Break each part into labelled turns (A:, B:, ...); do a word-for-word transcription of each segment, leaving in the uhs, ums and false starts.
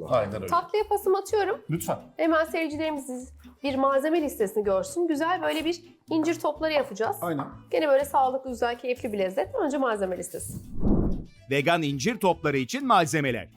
A: Aynen öyle.
B: Tatlıya pasımı atıyorum.
A: Lütfen.
B: Hemen seyircilerimiz bir malzeme listesini görsün. Güzel böyle bir incir topları yapacağız.
A: Aynen.
B: Gene böyle sağlıklı, güzel, keyifli bir lezzet. Önce malzeme listesi.
C: Vegan incir topları için malzemeler.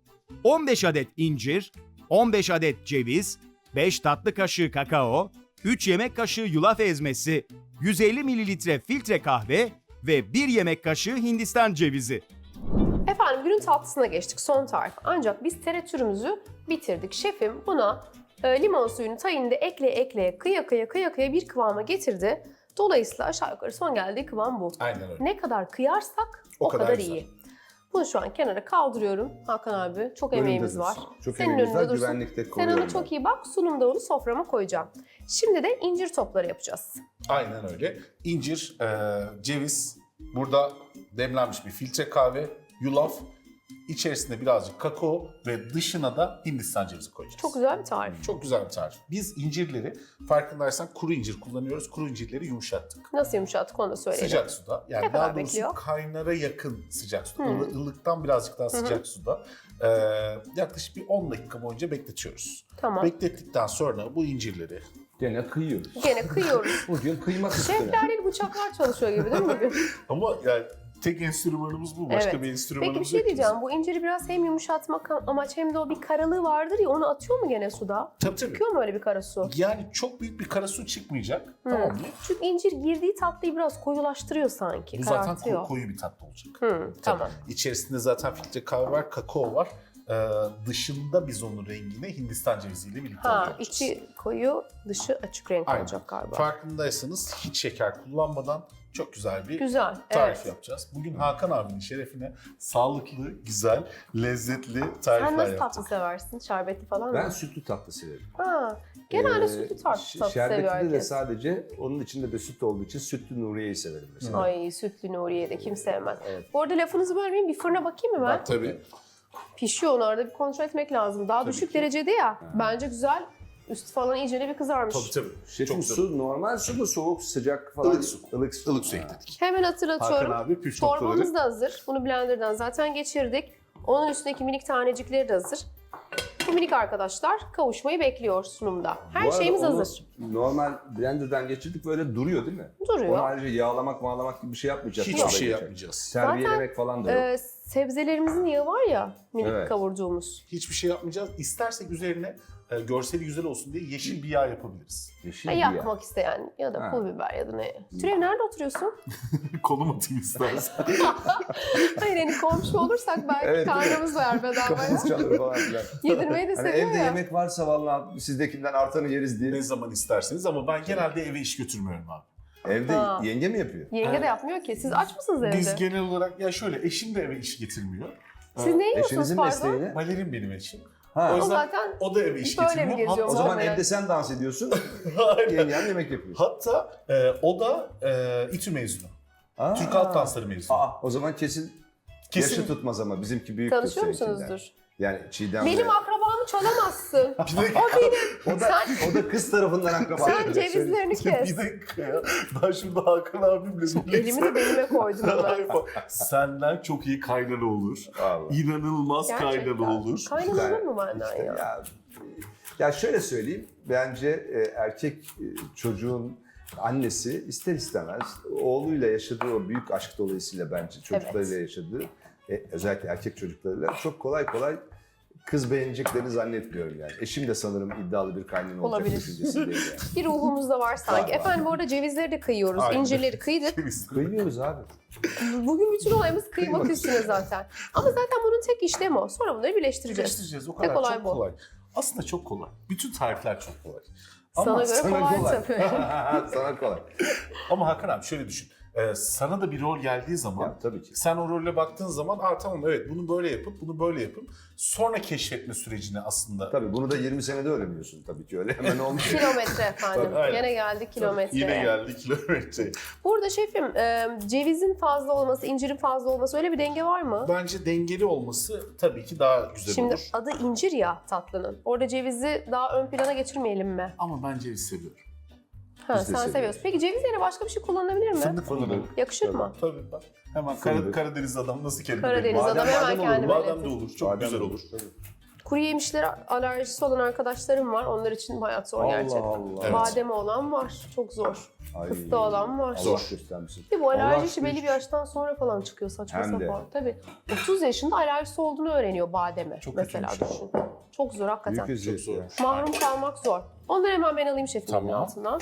C: on beş adet incir, on beş adet ceviz, beş tatlı kaşığı kakao, üç yemek kaşığı yulaf ezmesi, yüz elli mililitre filtre kahve ve bir yemek kaşığı Hindistan cevizi.
B: Efendim günün tatlısına geçtik. Son tarif. Ancak biz teratürümüzü bitirdik. Şefim buna e, limon suyunu tayinde ekleye ekleye kıya kıya kıya kıya bir kıvama getirdi. Dolayısıyla aşağı yukarı son geldiği kıvam bu.
A: Aynen öyle.
B: Ne kadar kıyarsak o,
A: O
B: kadar,
A: kadar güzel.
B: iyi. Bunu şu an kenara kaldırıyorum. Hakan abi çok emeğimiz var.
D: Çok
B: Senin
D: emeğimiz var.
B: önünde dursun.
D: Güvenlikte
B: Sen
D: koruyorum
B: ona çok
D: ben.
B: iyi bak. Sunumda onu soframa koyacağım. Şimdi de incir topları yapacağız.
A: Aynen öyle. İncir, e, ceviz, burada demlenmiş bir filtre kahve, yulaf, içerisinde birazcık kakao ve dışına da Hindistan cevizi koyacağız.
B: Çok güzel bir tarif.
A: Çok güzel bir tarif. Biz incirleri farkındaysan kuru incir kullanıyoruz. Kuru incirleri yumuşattık.
B: Nasıl yumuşattık onu da söyleyelim.
A: Sıcak suda. Yani
B: Ne
A: daha
B: kadar
A: doğrusu
B: bekliyor?
A: kaynara yakın sıcak suda.
B: Hmm.
A: Ilı- ılıktan birazcık daha sıcak suda. Ee, yaklaşık bir on dakika boyunca bekletiyoruz.
B: Tamam.
A: Beklettikten sonra bu incirleri
D: Gene kıyıyoruz.
B: Gene kıyıyoruz.
D: Bugün kıymak üstüne.
B: Şefler değil bıçaklar çalışıyor gibi değil mi bugün?
A: ama yani tek enstrümanımız bu. Başka
B: Evet.
A: bir enstrümanımız
B: Peki bir şey
A: yok ki
B: diyeceğim.
A: bizim.
B: Bu inciri biraz hem yumuşatmak amaç hem de o bir karalığı vardır ya onu atıyor mu gene suda?
A: Tabii tabii.
B: Çıkıyor mu öyle bir kara su?
A: Yani çok büyük bir kara su çıkmayacak.
B: Hmm.
A: Tamam mı?
B: Çünkü incir girdiği tatlıyı biraz koyulaştırıyor sanki.
A: Bu zaten
B: karartıyor.
A: ko- koyu bir tatlı olacak.
B: Hmm,
A: Tabii.
B: tamam.
A: İçerisinde zaten filtre kahve var, kakao var. Ee, dışında biz onun rengini Hindistan ceviziyle birlikte
B: Ha,
A: yapacağız.
B: içi koyu, dışı açık renk
A: Aynen.
B: olacak galiba.
A: Farkındaysanız hiç şeker kullanmadan çok güzel bir
B: Güzel,
A: tarif
B: evet.
A: yapacağız. Bugün Hakan abinin şerefine sağlıklı, güzel, lezzetli tarifler
B: Sen nasıl tatlı
A: yapacağız.
B: seversin? Şerbetli falan
D: Ben
B: mı?
D: sütlü tatlı severim.
B: Ha, genelde
D: Ee,
B: sütlü tatlı,
D: ş-
B: tatlı seviyor
D: Şerbetli de
B: herkes.
D: sadece onun içinde de süt olduğu için sütlü Nuriye'yi severim mesela.
B: Ay sütlü Nuriye de kim sevmez.
D: Evet.
B: Bu arada lafınızı bölmeyeyim, bir fırına bakayım mı ben?
A: Bak tabii.
B: Pişiyor onu arada bir kontrol etmek lazım. Daha
A: Tabii
B: düşük
A: ki.
B: derecede ya. Bence güzel. Üstü falan iyicene bir kızarmış.
A: Tabii tabii.
D: Şefim
A: Çok güzel.
D: su normal su mu soğuk sıcak falan?
A: Ilık su.
D: Ilık su.
A: Ilık su
D: Ha.
A: ekledik.
B: Hemen
A: Hakan
B: hatırlatıyorum.
A: abi püf
B: Çorbamız
A: noktaları.
B: da hazır. Bunu blenderdan zaten geçirdik. Onun üstündeki minik tanecikleri de hazır. Bu minik arkadaşlar kavuşmayı bekliyor sunumda. Her
D: Bu arada
B: şeyimiz
D: onu
B: hazır.
D: Normal blenderdan geçirdik böyle duruyor değil mi?
B: Duruyor.
D: Onu ayrıca yağlamak mağlamak gibi bir şey yapmayacağız.
A: Hiçbir
D: Yok.
A: şey yapmayacağız.
D: Terbiyelemek falan da yok.
B: Ee, sebzelerimizin yağı var ya minik
D: Evet.
B: kavurduğumuz.
A: Hiçbir şey yapmayacağız. İstersek üzerine e, görseli güzel olsun diye yeşil bir yağ yapabiliriz.
D: Yeşil
B: Ha,
D: bir yağ.
B: yakmak isteyen ya da
D: Ha.
B: pul biber ya da ne. Türev nerede oturuyorsun?
A: Konum atayım istersen.
B: Hayır hani komşu olursak belki
D: Evet, değil mi?
B: karnımız var bedavaya.
D: Kafamız çalır falan filan.
B: Yedirmeyi de
D: Hani
B: seviyor
D: evde
B: ya.
D: yemek varsa vallahi sizdekinden artanı yeriz diye.
A: ne zaman isterseniz ama ben genelde eve iş götürmüyorum abi.
D: Evde
B: Ha.
D: yenge mi yapıyor?
B: Yenge de yapmıyor ki. Siz aç mısınız evde?
A: Biz genel olarak ya şöyle eşim de eve iş getirmiyor.
B: Siz ne yiyorsunuz
D: Eşinizin
B: pardon?
D: mesleği ne?
A: Balerin benim eşim.
D: Ha.
A: O
B: O
A: yüzden
B: zaten
A: o da eve iş
B: böyle
A: getirmiyor.
B: mi geziyor
D: O
A: Hatta,
D: zaman
B: Merak-
D: evde sen dans ediyorsun,
A: Aynen.
D: yengen yemek yapıyor.
A: Hatta e, o da e, İTÜ mezunu.
D: Aa.
A: Türk Halk Dansları mezunu.
D: Aa, o zaman kesin,
A: Kesin.
D: yaşı tutmaz ama bizimki büyüktür
B: tanışıyor
D: seninkinden.
B: musunuzdur?
D: Yani Çiğdem'le.
B: Benim akrabamı çalamazsın.
A: Bir dakika.
B: O benim.
D: o da,
B: Sen,
D: o da kız tarafından akraba.
B: sen cevizlerini kes.
A: Bir dakika ya. Ben şimdi Hakan abimle birlikte.
B: Elimi de belime koydum hemen.
A: Senden çok iyi kaynana olur.
D: Vallahi.
A: İnanılmaz
B: Gerçekten.
A: kaynana olur.
B: Kaynana olur mu benden
D: İşte
B: ya?
D: ya, ya şöyle söyleyeyim, bence e, erkek e, çocuğun annesi ister istemez oğluyla yaşadığı o büyük aşk dolayısıyla bence çocuklarıyla yaşadığı, e, özellikle erkek çocuklarıyla çok kolay kolay kız beğeneceklerini zannetmiyorum yani. Eşim de sanırım iddialı bir kaynana olacak
B: Olabilir.
D: düşüncesindeyim yani.
B: Bir ruhumuzda var sanki.
D: Var, var.
B: Efendim bu arada cevizleri de kıyıyoruz.
A: Aynen.
B: İncirleri kıydık.
D: Kıymıyoruz abi.
B: Bugün bütün olayımız kıymak
D: Kıymak.
B: üstüne zaten. Ama zaten bunun tek işlemi o. Sonra bunları birleştireceğiz.
A: Birleştireceğiz. O
B: Ne
A: kadar
B: kolay
A: çok
B: bu.
A: kolay. Aslında çok kolay. Bütün tarifler çok kolay.
B: Sana göre
D: Sana
B: kolay,
D: kolay.
B: tabii.
D: Sana kolay.
A: Ama Hakan abi şöyle düşün. Ee, sana da bir rol geldiği zaman
D: Ya, tabii ki.
A: sen o rolle baktığın zaman Aa, tamam evet bunu böyle yapıp bunu böyle yapıp sonra keşfetme sürecini aslında
D: Tabii bunu da yirmi senede öğreniyorsun tabii ki öyle hemen olmuyor.
B: Kilometre efendim.
A: Tabii, aynen.
B: Yine geldik kilometre.
A: yine geldi kilometre.
B: Burada şefim e, cevizin fazla olması, incirin fazla olması öyle bir denge var mı?
A: Bence dengeli olması tabii ki daha güzel
B: Şimdi
A: olur.
B: adı incir ya tatlının. Orada cevizi daha ön plana geçirmeyelim mi?
A: Ama ben ceviz seviyorum.
B: Ha,
D: Biz
B: sen
D: de seviyoruz.
B: seviyorsun. Peki ceviz yerine başka bir şey kullanılabilir mi?
A: Fındık kullanalım.
B: Yakışır
D: Tabii.
B: mı?
A: Tabii bak. Hemen Kara-
D: Fındık.
A: Karadeniz adam nasıl kelime
B: Karadeniz
A: belli?
B: adam
D: Badem-
B: hemen
D: badem olur,
B: kendime
A: Badem de
B: iletir.
A: olur. Çok
D: Badem
A: güzel
D: de
A: olur.
D: tabii.
B: Kuru yemişlere alerjisi olan arkadaşlarım var. Onlar için hayat zor gerçekten.
D: Allah Allah.
A: Evet.
B: Bademe olan var. Çok zor.
D: Ay,
B: Fıstığı olan var.
D: Allah
A: Zor.
D: göstermesin.
B: Bir bu alerji
D: Allah
B: işi belli bir
D: aşkına.
B: yaştan sonra falan çıkıyor saçma
D: Hem de.
B: sapan. Tabii. otuz yaşında alerjisi olduğunu öğreniyor bademe.
A: Çok
B: mesela
A: kötüymüş.
B: düşün. Çok zor hakikaten.
D: Büyük eziyet
A: zor.
D: ya.
B: Mahrum kalmak zor. Onları hemen ben alayım şefimin
A: Tamam.
B: altından.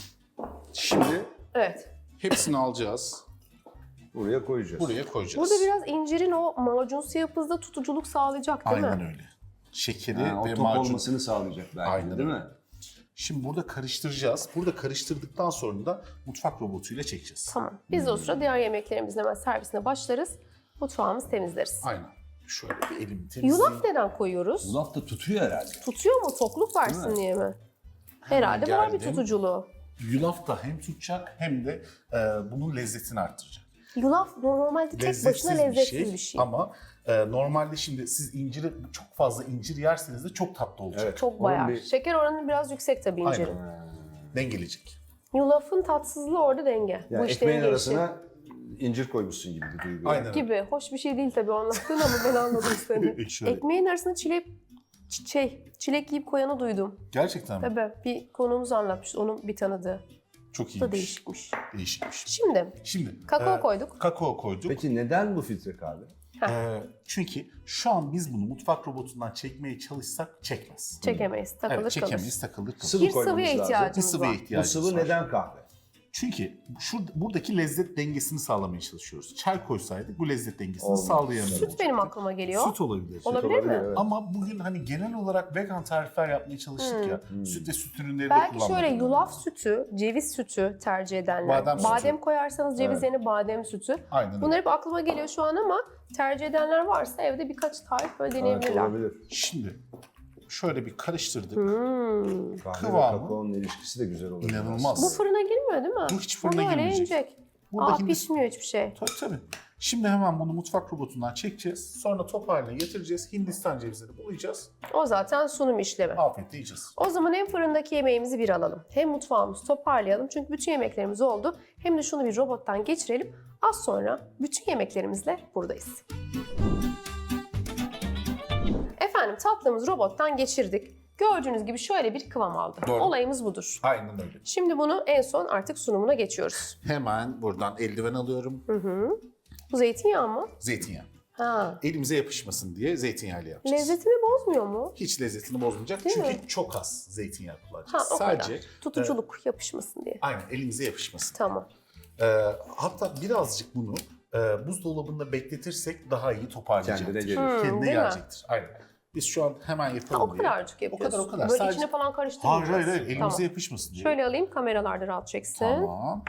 A: Şimdi
B: Evet.
A: hepsini alacağız.
D: Buraya koyacağız.
A: Buraya koyacağız.
B: Burada biraz incirin o macunsu yapısında tutuculuk sağlayacak değil
A: Aynen
B: mi?
A: öyle. Şekeri
D: Ha, o
A: ve
D: top
A: macun.
D: olmasını sağlayacak belki
A: Aynen
D: de, değil
A: öyle.
D: mi?
A: Şimdi burada karıştıracağız. Burada karıştırdıktan sonra da mutfak robotuyla çekeceğiz.
B: Tamam. Biz de o sırada diğer yemeklerimizin hemen servisine başlarız. Mutfağımızı temizleriz.
A: Aynen. Şöyle bir elimi temizleyeyim.
B: Yulaf neden koyuyoruz?
D: Yulaf da tutuyor herhalde.
B: Tutuyor mu? Tokluk versin
D: Değil mi?
B: diye mi? Herhalde var bir
A: geldim.
B: tutuculuğu.
A: Yulaf da hem tutacak hem de e, bunun lezzetini arttıracak.
B: Yulaf normalde tek
A: Lezzetsiz
B: başına lezzetsiz bir şey.
A: Ama e, normalde şimdi siz inciri çok fazla incir yerseniz de çok tatlı olacak.
D: Evet.
B: Çok
D: Onun
B: bayağı.
D: bir-
B: Şeker oranı biraz yüksek tabii
A: Aynen.
B: incirin.
A: Dengeleyecek.
B: Yulafın tatsızlığı orada denge.
D: Yani
B: Bu işte
D: ekmeğin
B: denge işi.
D: arasına incir koymuşsun gibi bir duygu.
A: Aynen.
B: Gibi. Hoş bir şey değil tabii o anlattığın ama ben anladım seni.
A: Şöyle.
B: Ekmeğin arasına çilek, ç- şey, çilek yiyip koyanı duydum.
A: Gerçekten mi?
B: Tabii bir konuğumuz anlatmıştı onun bir tanıdığı.
A: Çok
B: Bu
A: iyiymiş.
B: da değişikmiş.
A: Değişikmiş.
B: Şimdi
A: Şimdi
B: kakao
A: e,
B: koyduk.
A: Kakao koyduk.
D: Peki neden bu filtre kahve?
A: E, çünkü şu an biz bunu mutfak robotundan çekmeye çalışsak çekmez.
B: Çekemeyiz. Takılır
A: Evet,
B: kalır.
A: çekemeyiz, takılır kalır.
D: Sıvı
B: Bir
D: koymamız
B: sıvıya
D: lazım.
B: ihtiyacımız
A: Bir sıvıya
B: var.
D: Bu
A: ihtiyacımız
D: sıvı
A: var.
D: neden kahve?
A: Çünkü şu buradaki lezzet dengesini sağlamaya çalışıyoruz. Çay koysaydık bu lezzet dengesini
D: Olmaz.
A: sağlayamıyoruz.
B: Süt benim aklıma geliyor.
A: Süt olabilir.
B: Olabilir mi?
D: evet.
A: Ama bugün hani genel olarak vegan tarifler yapmaya çalıştık ya. Süt ve süt ürünleri de
B: Belki
A: kullanmadık.
B: şöyle yulaf sütü, ceviz sütü tercih edenler.
A: Badem sütü.
B: koyarsanız ceviz
D: Evet.
B: yerine badem sütü.
A: Aynen öyle.
B: Bunlar hep aklıma geliyor şu an ama tercih edenler varsa evde birkaç tarif böyle
D: Evet,
B: deneyebilirler.
D: olabilir.
A: Şimdi şöyle bir karıştırdık.
B: Hmm.
D: Kahve
A: Kıvamı.
D: ve kakaonun ilişkisi de güzel olur.
A: İnanılmaz.
B: Bu fırına girmiyor değil mi?
A: Bu hiç fırına
B: Bu böyle
A: girmeyecek.
B: inecek.
A: Burada
B: Aa
A: şimdi-
B: pişmiyor hiçbir şey.
A: Tabii tabii. Şimdi hemen bunu mutfak robotundan çekeceğiz. Sonra top haline getireceğiz. Hindistan cevizleri bulayacağız.
B: O zaten sunum işlemi.
A: Afiyetle yiyeceğiz.
B: O zaman hem fırındaki yemeğimizi bir alalım. Hem mutfağımızı toparlayalım. Çünkü bütün yemeklerimiz oldu. Hem de şunu bir robottan geçirelim. Az sonra bütün yemeklerimizle buradayız. Efendim tatlımızı robottan geçirdik. Gördüğünüz gibi şöyle bir kıvam aldı.
A: Doğru.
B: Olayımız budur.
A: Aynen öyle.
B: Şimdi bunu en son artık sunumuna geçiyoruz.
A: Hemen buradan eldiven alıyorum.
B: Hı hı. Bu zeytinyağı mı?
A: Zeytinyağı.
B: Ha.
A: Elimize yapışmasın diye zeytinyağıyla yapacağız.
B: Lezzetini bozmuyor mu?
A: Hiç lezzetini bozmayacak.
B: Değil
A: Çünkü
B: mi?
A: çok az zeytinyağı
B: Ha
A: kullanacağız.
B: o
A: Sadece
B: kadar. Tutuculuk yapışmasın diye.
A: aynen elimize yapışmasın.
B: Tamam.
A: Ee, hatta birazcık bunu e, buzdolabında bekletirsek daha iyi toparlayacaktır.
D: Kendine gelir.
B: Hmm,
A: Kendine
B: değil mi?
A: gelecektir. Aynen. Biz şu an hemen
B: Ha,
A: yapalım
B: o
A: diye.
B: kadarcık yapıyorsun.
A: O kadar o kadar.
B: Böyle
A: Sadece-
B: içine falan
A: Hayır
B: karıştırmayacağız.
A: hayır hayır elimize
B: Tamam.
A: yapışmasın diye.
B: Şöyle alayım kameralarda rahat çeksin.
A: Tamam.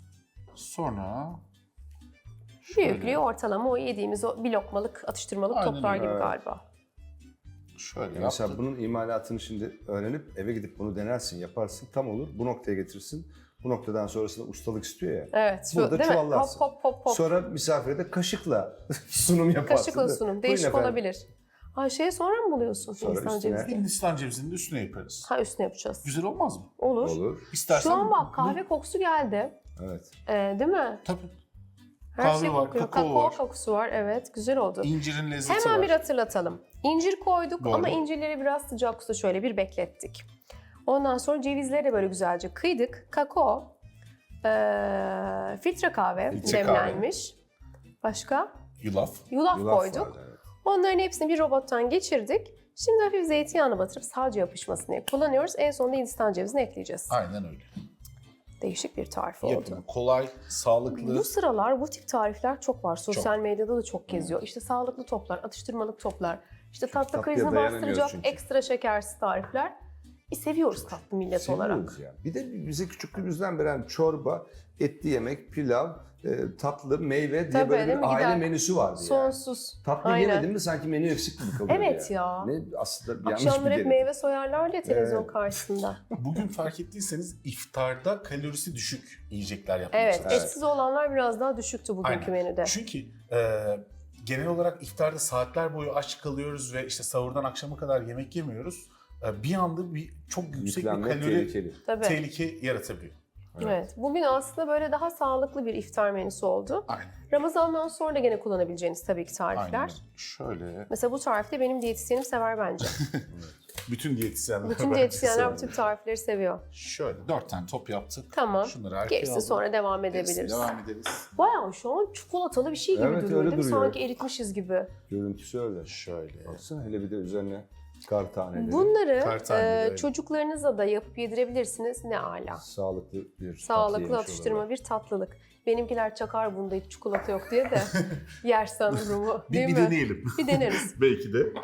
A: Sonra
B: Büyüklüğü ortalama o yediğimiz o bir lokmalık atıştırmalık
A: Aynen
B: toplar
A: öyle.
B: gibi
D: Evet.
B: galiba.
A: şöyle
D: Mesela
A: yaptık.
D: bunun imalatını şimdi öğrenip eve gidip bunu denersin, yaparsın, tam olur. Bu noktaya getirirsin. Bu noktadan sonrasında ustalık istiyor ya.
B: Evet. Şu,
D: Burada
B: değil mi? Hop
D: çuvallarsın.
B: hop hop hop.
D: Sonra misafire de kaşıkla sunum yaparsın.
B: Kaşıkla
D: değil mi?
B: sunum.
D: Buyurun
B: Değişik
D: efendim.
B: olabilir. Ay şeye sonra mı buluyorsun
D: Sonra
B: Hindistan
D: üstüne-
B: cevizi?
A: Hindistan cevizinin de üstüne yaparız.
B: Ha üstüne yapacağız.
A: Güzel olmaz mı?
B: Olur.
D: Olur.
A: İstersen
B: Şu an bak
A: bu-
B: kahve kokusu geldi.
D: Evet.
B: Ee, değil mi?
A: Tabii.
B: Her
A: Kahve
B: şey
A: var,
B: kokuyor.
A: kakao var.
B: kokusu var. Evet güzel oldu.
A: İncirin lezzeti
B: Hemen
A: var.
B: bir hatırlatalım. İncir koyduk
A: Doğru.
B: ama incirleri biraz sıcak suda şöyle bir beklettik. Ondan sonra cevizleri de böyle güzelce kıydık. Kakao, eee, filtre kahve
A: Filtre
B: demlenmiş. Başka?
A: Yulaf.
B: Yulaf,
D: Yulaf
B: koyduk.
D: var, evet.
B: Onların hepsini bir robottan geçirdik. Şimdi hafif zeytinyağını batırıp sadece yapışmasın diye kullanıyoruz. En sonunda Hindistan cevizini ekleyeceğiz.
A: Aynen öyle.
B: Değişik bir tarif oldu.
A: Yapımı kolay, sağlıklı.
B: Bu sıralar bu tip tarifler çok var. Sosyal medyada da çok geziyor. İşte sağlıklı toplar, atıştırmalık toplar. İşte tatlı
D: tatlıya
B: krizini
D: dayanamıyoruz
B: bastıracak
D: çünkü.
B: ekstra şekersiz tarifler. E, seviyoruz tatlı millet olarak.
D: Seviyoruz ya. Bir de bize küçüklüğümüzden beri hani çorba, etli yemek, pilav, e, tatlı, meyve diye
B: Tabii,
D: böyle
B: değil
D: bir
B: mi?
D: aile
B: Gider.
D: menüsü vardı yani.
B: Sonsuz.
D: Tatlı
B: Aynen.
D: yemedin mi sanki menü eksik gibi kalıyor
B: Evet
D: yani.
B: ya.
D: Ne aslında bir yanlış bir
B: Akşamları hep
D: gelir.
B: meyve soyarlar ya televizyon
D: Evet.
B: karşısında.
A: Bugün fark ettiyseniz iftarda kalorisi düşük yiyecekler yapmaya
B: Evet,
A: çalışıyoruz.
B: etsiz olanlar biraz daha düşüktü bugünkü
A: Aynen.
B: menüde.
A: Çünkü e, genel olarak iftarda saatler boyu aç kalıyoruz ve işte sahurdan akşama kadar yemek yemiyoruz. E, bir anda bir çok yüksek
D: Yüklenmek
A: bir kalori
D: tehlikeli.
B: Tabii.
A: tehlike yaratabiliyor.
B: Evet. Bugün aslında böyle daha sağlıklı bir iftar menüsü oldu.
A: Aynen.
B: Ramazan'dan sonra da gene kullanabileceğiniz tabii ki tarifler.
A: Aynen. Şöyle.
B: Mesela bu tarifte benim diyetisyenim sever bence.
A: Bütün diyetisyenler
B: Bütün
A: bence
B: diyetisyenler bu
A: sever.
B: tip tarifleri seviyor.
A: Şöyle dört tane top yaptık.
B: Tamam.
A: Şunları arkaya
B: Gerisi
A: aldım.
B: sonra devam
A: Gerisine
B: edebiliriz.
A: devam ederiz.
B: Bayağı şu an çikolatalı bir şey gibi
D: Evet,
B: duruyor
D: öyle
B: değil mi?
D: duruyor.
B: Sanki eritmişiz gibi.
D: Görüntüsü öyle.
A: Şöyle.
D: Baksana hele bir de üzerine kar taneleri.
B: Bunları
A: Kar taneleri,
B: e,
A: evet.
B: çocuklarınıza da yapıp yedirebilirsiniz. Ne ala.
D: Sağlıklı bir tatlı
B: Sağlıklı
D: yemiş
B: atıştırma
D: olurlar.
B: bir tatlılık. Benimkiler çakar bunda hiç çikolata yok diye de yersen durumu
A: Bir,
B: değil
A: bir
B: mi?
A: deneyelim.
B: Bir deneriz.
A: Belki de.